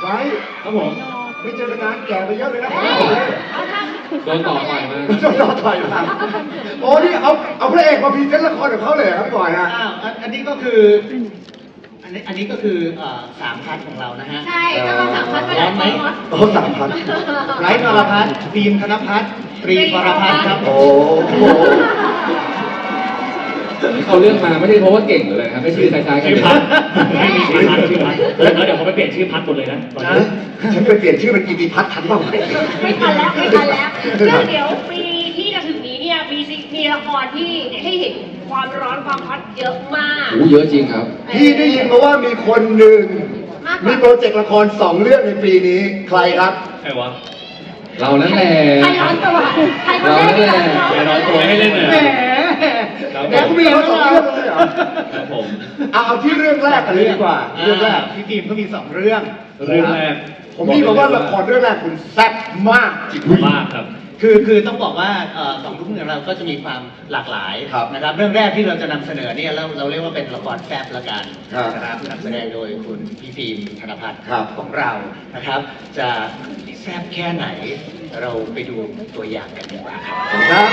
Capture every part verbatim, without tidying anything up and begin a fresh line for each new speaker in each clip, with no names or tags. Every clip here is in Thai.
ไว้
ครับผม
ไม่เจอกันนานแก่ไปเยอะเลยนะ
โดนต่อต่อยมา
โดนต่อต่อยมาโอ้นี่เอาเอาพระเอกมาพรีเซนต์ละครของเขาเลยครับพี่บอยฮะ
อ้าวอันนี้ก็คืออันนี้อันนี้ก็คือสามพันของเรานะฮะ
ใช่ถ้าเราสามพันก็ได้ไหม
โอ้สามพัน
ไร้นรพัฒน์ฟิล์มธนพัฒน์ตรีปรพัฒน์ครับ
โอ้โห
ที่เขาเลือกมาไม่ใช่เพราะว่าเก่งหรืออะไรครับไม่ชื่อคล้ายๆกันเลย
ไม่มีชื่อพัดชื่อพัดแล้วเดี๋ยวเขาไปเปลี่ยนชื่อพัดหมดเลยนะตอนนี้
ฉันไปเปลี่ยนชื่อเป็นกิติพัฒน์ทันเปล่า
ไม่ทันแล้วไม่ทันแล้วซึ่งเดี๋ยวปีที่จะถึงนี้เนี่ยมีมีละครที่ให้เห็นความร้อนความฮอตเยอะมาก
โอ้เยอะจริงครับ
พี่ได้ยินมาว่ามีคนหนึ่งมีโปรเจกต์ละครสองเรื่องในปีนี้ใครครับ
ใครวะ
เรานั่นแหละ
ใครร้อนตัวใครคนแรกที่ร้อนตัว
ใครร้อนตัวให้เล่นเลย
แหมแล้วมีมาสองเรื่องเลยเหรอ
ครับผม
เอาเอาที่เรื่องแรกกันเลยดีกว่าเรื่องแรก
พี่ฟิล์มก็มีสองเรื่อง
เรื่องแรก
ผมนี่บอกว่าละครเรื่องแรกคุณแซ่บมากจริง
มากครับ
คือคือต้องบอกว่าสองทุ่มของเราก็จะมีความหลากหลายนะครับเรื่องแรกที่เราจะนำเสนอเนี่ยเราเราเรียกว่าเป็นละครแซ่บละกันนะครับนำแสดงโดยคุณพี่ฟิล์มธนพัฒน์ของเรานะครับจะแซ่บแค่ไหนเราไปดูตัวอย่างกันดีกว่า
ครับ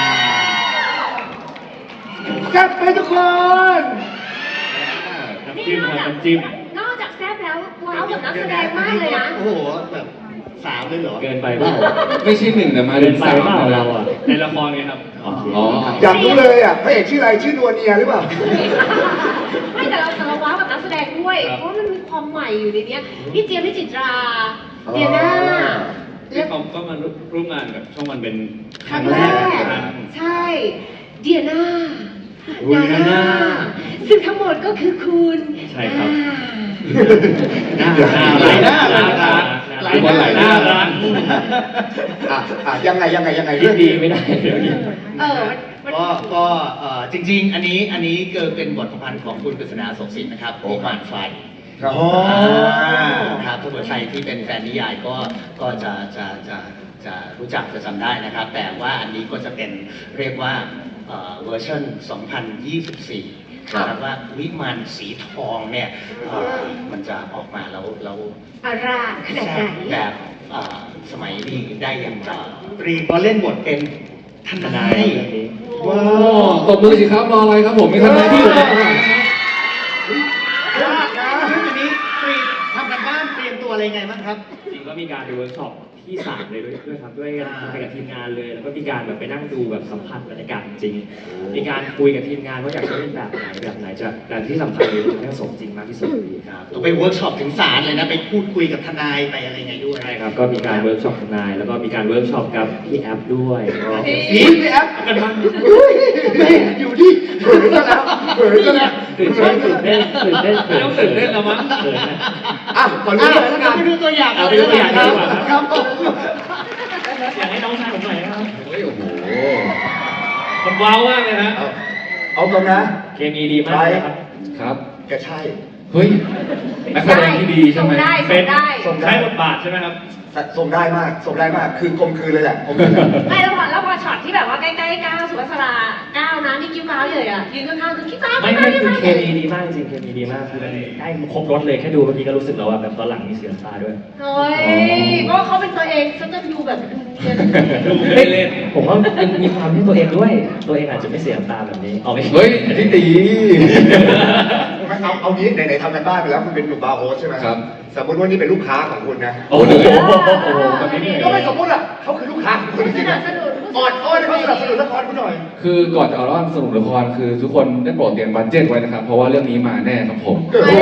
แซ่บไปทุกคน
น้ำจิ้มครับน้ำจิ้ม
นอกจากแซ่บแล้วว้าวกับนักแสดงมากเลยนะ
โอ้โหแบบสามเลยเหรอ
เกินไปเปล่า
ไม่ใช่หนึ่งแต่มาเป็นสาม
เราอ่ะในละครไงครับ
อ๋อ
อยากรู้เลยอ่ะพระเอกชื่ออะไรชื่อนวลเนียหรือเปล่า
ไม่แต่เราแต่เราว้าวกับนักแสดงด้วยเพราะมันมีความใหม่อยู่ในนี้พี่เจี๊ยบพี่จิตราเดียน่า
ที่เขาก็มาร่วมงานกับช่องวันเป็น
ครั้งแรกใช่เดียน่านาน่าซึ่งทั้งหมดก็คือคุณ
ใช่ครับ
น่ารักน่ารัก
หลายคนหลายน่ารัก
อ่ะอ่ะยังไงยังไงยังไง
เรื่องดีไม่ได้เดี๋ยวนี้
เออ
ก็ก็จริงๆอันนี้อันนี้เกิดเป็นบทประพันธ์ของคุณกฤษณา สงสินนะครับวิมานไฟ
ครับ
ครับถ้าเกิดใครที่เป็นแฟนนิยายก็ก็จะจะจะจะรู้จักจะจำได้นะครับแต่ว่าอันนี้ก็จะเป็นเรียกว่าเวอร์ชันสองพันยี่สิบสี่ครับว่าวิมานสีทองเนี่ยมันจะออกมาแล้วแล้ว
อาราขนาดไหน
แบบสมัยนี้ได้อย่างไรตรีก็เล่นบทเป็นทนาย
ว้าวตบมือสิครับรออะไรครับผมมีทนายที่อยู่ในบ้าน
ยากนะซึ่งอันนี้ตรีทำกันบ้านเตรียมตัวอะไรไงบ้างครับ
จริงก็มีการไปเวิร์กช็อปที่สามเลยด้วยด้วยครับด้วยกันไปกับทีมงานเลยแล้วก็มีการแบบไปนั่งดูแบบสัมผัสบรรยากาศจริงมีการคุยกับทีมงานว่าอยากจะเล่นแบบไหนแบบไหนจะแต่ที่สำคัญเลยจะให้สมจริงมากที่สุด
ครับต้องไปเวิร์กช็อปถึงศาลเลยนะไปพูดคุยกับทนายไปอะไรไงด้วย
ใช่ครับก็มีการเวิร์กช็อปทนายแล้วก็มีการเวิร์กช็อปกับพี่แอปด้วย
นี่พี่แอปกันบ้างไม่อยู่ที่เผยซะแล้วเผยซะแล้ว
ตื่นเต้นตื่นเต้นตื่นเต้นไม่ต้องตื่นเต้นแล้วมั้ง
อ่ะขอรู้เลยแล้วกัน
ไปดูตัวอย่าง
เอาไปดูตัวอย่างดีกว่า
ครับ
อยากให้น้องชายผมหน่อยนะครับ
เฮ้ยโอ้โห
มันว้าวมากเลยนะ
เอาตรงนะ
เคมีดีมากครับ
ครับ
แกใช่
เฮ้ยนักแสดงที่ดีใช่ไหม
เป็นส่งได้บทบาทใช่ไหมครับ
ส่งได้มากส่งได้มากคือกลมคืนเลยแหละ
ไม่แล้วพอแล้วพอช็อตที่แบบว่าใกล้ๆก้าวสุวัสราก้าวนะนี่กิ้วก้าวเลยอ่ะยืนข้างๆคือกิ้วก้าว
ไม่ไม่คือเคมีดีมากจริงเคมีดีมากคือได้ครบรถเลยแค่ดูเมื่อกี้ก็รู้สึกแล้วว่าแบบตอนหลังมีเสียงตาด้วย
เฮ้ยเพราะเขาเป็นตัวเองฉันจะดูแบบดู
เล่นๆผมว่ามีความที่ตัวเองด้วยตัวเองอาจจะไม่เสียงตาแบบนี้เอาไป
เฮ้ยที่ตี
เอาเอางี้ไหนๆทำกันบ้านไปแล้วคุณเป็นหนุ่มบาร์โฮสใช่ไหม
ครับ
สมมติว่านี่เป็นลูกค้าของคุณนะ
โอ้โห
ก็ไม่สมมติอ่ะเขาคือลูกค้าของคุณจริงๆออดอ้อนเขาสนับสนุนละครคุณหน่อย
คือก่อนจะเอาละครสนุนละครคือทุกคนได้โปรดเตรียมบัดเจ็ตไว้นะครับเพราะว่าเรื่องนี้มาแน่ครับผม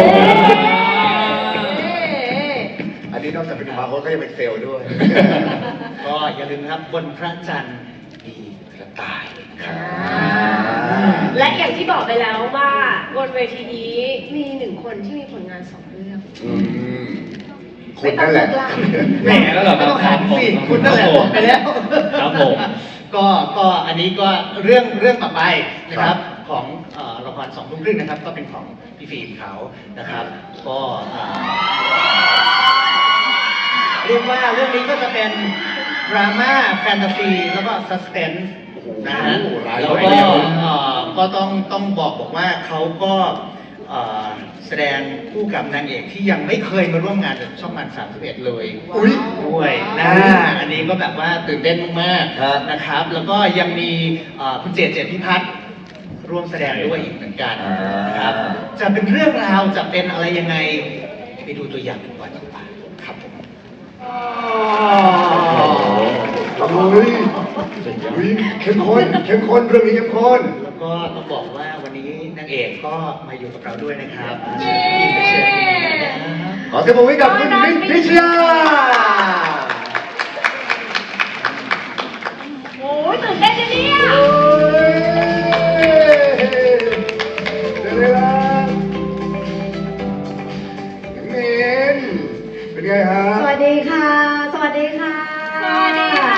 อันนี้นอกจากเป็นบาร์โฮสก็ยังเป็นเซลล์ด้วย
ก็อย่าลืมนะครับบนพระจันทร์มีกระต่าย
และอย่างที่บอกไปแล้วว่าบนเวทีนี้มีหนึ่งคนที่มีผลงานสองเรื่อง
คุณนั่นแหละ
แหมแล้วเหรอไม่ต้องหันสิคุณนั่นแหละบอกไปแล้ว
ครับผม
ก็ก็อันนี้ก็เรื่องเรื่องต่อไปนะครับของละครสองทุ่มครึ่งนะครับก็เป็นของพี่ฟิล์มเขานะครับก็เรียกว่าเรื่องนี้ก็จะเป็นดราม่าแฟนตาซีแล้วก็ซัสเพนส์นะฮะแล้วก็ก็ต้องต้องบอกบอกว่าเขาก็แสดงคู่กับนางเอกที่ยังไม่เคยมาร่วมงานกับช่องวันสามสิบเอ็ดเลย
อุ๊ย
ด้วยนะอันนี้ก็แบบว่าตื่นเต้นมาก
ครับ
ๆนะครับ แล้วก็ยังมีเอ่อคุณเจตเจตพิพัฒน์ร่วมแสดงด้วยอีกเหมือนกันนะครับ จะเป็นเรื่องราวจะเป็นอะไรยังไงไปดูตัวอย่างกันก่อนดีกว่าครับผม
โอ้ยอุ๊ยเข้มข้นเข้มข้นเรื่องนี้เข้มข้น
แล้วก็ต้องบอกว่าวันนี้นางเอกก็มาอยู่กับเราด้วยนะครับ
เย้
ขอเสียงปรบมือให้กับคุณมินพิชยา
โอ้ยตื่นเต้นจังเนี่ย
โอ้ยเดี๋ยวเลยนะมินเป็นไงฮะ
สวัสดีค่ะ สวัสดีค่ะ
สวัสดีค่ะ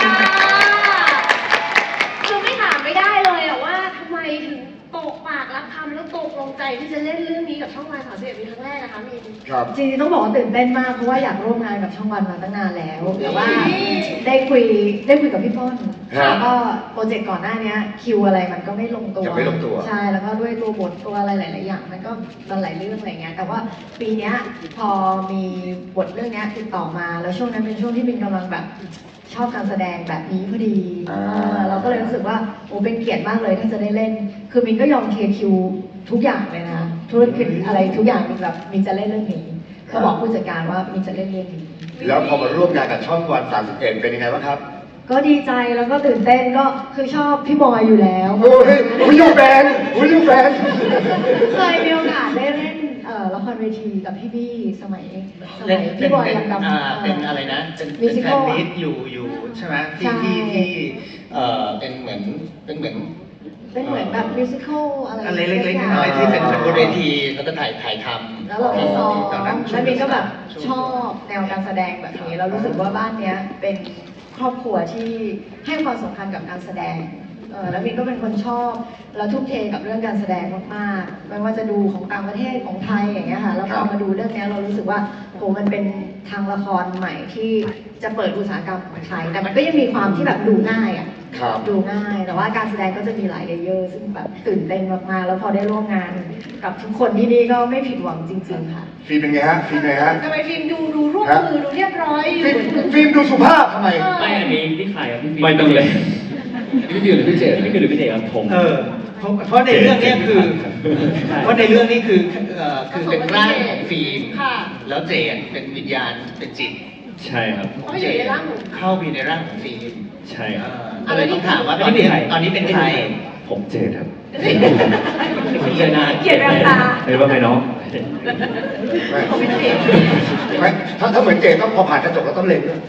คือไม่ถามไม่ได้เลยอะว่าทำไมถึงตกปากรับคำแล้วตกลงใจที่จะเล่นเรื่องนี้กับช่องวันสามสิบเอ็ดเป็นครั้งแรกนะคะมิน
ครับ
จริงๆต้องบอกว่าตื่นเต้นมากเพราะว่าอยากร่วมงานกับช่องวันมาตั้งนานแล้ว แต่ว่าได้คุยได้คุยกับพี่ป้อน
ฮะ
แล้วก็โปรเจกต์ก่อนหน้านี้คิวอะไรมันก็ไม่ลงตัว
ยังไม่ลงตัว
ใช่แล้วก็ด้วยตัวบทตัวอะไรหลายๆอย่างมันก็มันหลายเรื่องอะไรเงี้ยแต่ว่าปีเนี้ยพอมีบทเรื่องเนี้ยติดต่อมาแล้วช่วงนั้นเป็นช่วงที่มินกำลังแบบชอบการแสดงแบบนี้พอดี
อ่า
เออเราก็เลยรู้สึกว่าโอ้เป็นเกียรติมากเลยที่จะได้เล่น คือมินก็ยอมเคคิวทุกอย่างเลยนะธุรกิจอะไรทุกอย่างมินแบบมินจะเล่นเรื่องนี้ก็บอกผู้จัดการว่ามินจะเล่นเรื่องนี้
แล้วพอมาร่วมงานกับช่องวันสามสิบเอ็ดเป็นยังไงบ้างครับ
ก็ดีใจแล้วก็ตื่นเต้นก็คือชอบพี่บอยอยู่แล้ว
โอ้ยวิวแฟนวิวแฟน
เคยมีโอกาสได้เล่นเอ่อละครเวทีกับพี่บี้สมัยสมั
เล่
ย
นเป็
พี่
น
บอย
เป็น
ยังดำ
อ่าเป็นอะไรนะ เป็นเป็นแฟนมิตอยู่อยู่ใช่ไหมที่
ใช่
ที่ที่เอ่อเป็นเหมือนเป็นเหมือน
เป็นเหมือนแบบมิวสิควลอะไร
อะไรเล็กๆน้อยๆที่เป็นเป็นบนเวทีแล้วก็ถ่ายถ่ายทำ
แล้วเราไปซ้อม
ตอนนั้น
แล้วมินก็แบบชอบแนวการแสดงแบบนี้เรารู้สึกว่าบ้านเนี้ยเป็นครอบครัวที่ให้ความสำคัญกับการแสดงเออแล้วมินก็เป็นคนชอบแล้วทุ่มเทกับเรื่องการแสดงมากๆไม่ว่าจะดูของต่างประเทศของไทยอย่างเงี้ยค่ะแล้วพอมาดูเรื่องเนี้ยเรารู้สึกว่าโหมันเป็นทางละครใหม่ที่จะเปิดอุตสาหกรรมของไทยแต่มันก็ยังมีความที่แบบดูง่ายอ่ะ
ครับ
ดูง่าย แต่ว่าการแสดงก็จะมีหลายเลเยอร์ซึ่งแบบตื่นเต้นมากๆ แล้วพอได้ร่วมงานกับทุกคนที่นี่ก็ไม่ผิดหวังจริงๆ ค่ะ
ฟิล์มเป็นไงฮะฟิล์มเป็นไงฮะ
ทำไมฟิล์มดูดูรูปมือดูเรียบร้อยอยู่
ฟิล์มฟิล์มดูสุภาพทำไม
ไม่อันนี้ที่ขายกับพี่ฟิล์
ไม่ต้องเลยพี่ฟิวหรือพี่เจต
นี่คือหรือพี่เด็กครับผม
เออเพราะเพราะในเรื่องเนี้ยคือ
ใช่
เพราะในเรื่องนี้คือเอ่อคือเป็นร่างของฟิล์ม
ค่ะ
แล้วเจนเป็นวิญญาณเป็นจิต
ใช่ครับ
เขาอยู่ในร่างหนู
เข้าไปในร่างของฟิล์ม
ใช่
เอ
ครับ
อก็เลยต้องถามว่าตอนนี้ตอนนี้เป็นใคร
ผมเจตครับ
ผมเจอนาน
เกลียดแววตา
เฮ้ยว่าไงน้อง
ไม่
เขาเป็นเสียง
ไม่ถ้าถ้าเหมือนเจต้องพอผ่านกระจกแล้วต้องเล็งด้วย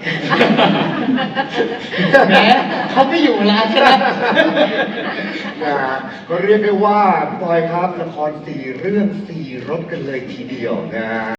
แหมเขาไม่อยู่ร้านใช่ไหม
นะฮะก็เรียกได้ว่าพี่บอยครับละครสี่เรื่องสี่รสกันเลยทีเดียวนะฮะ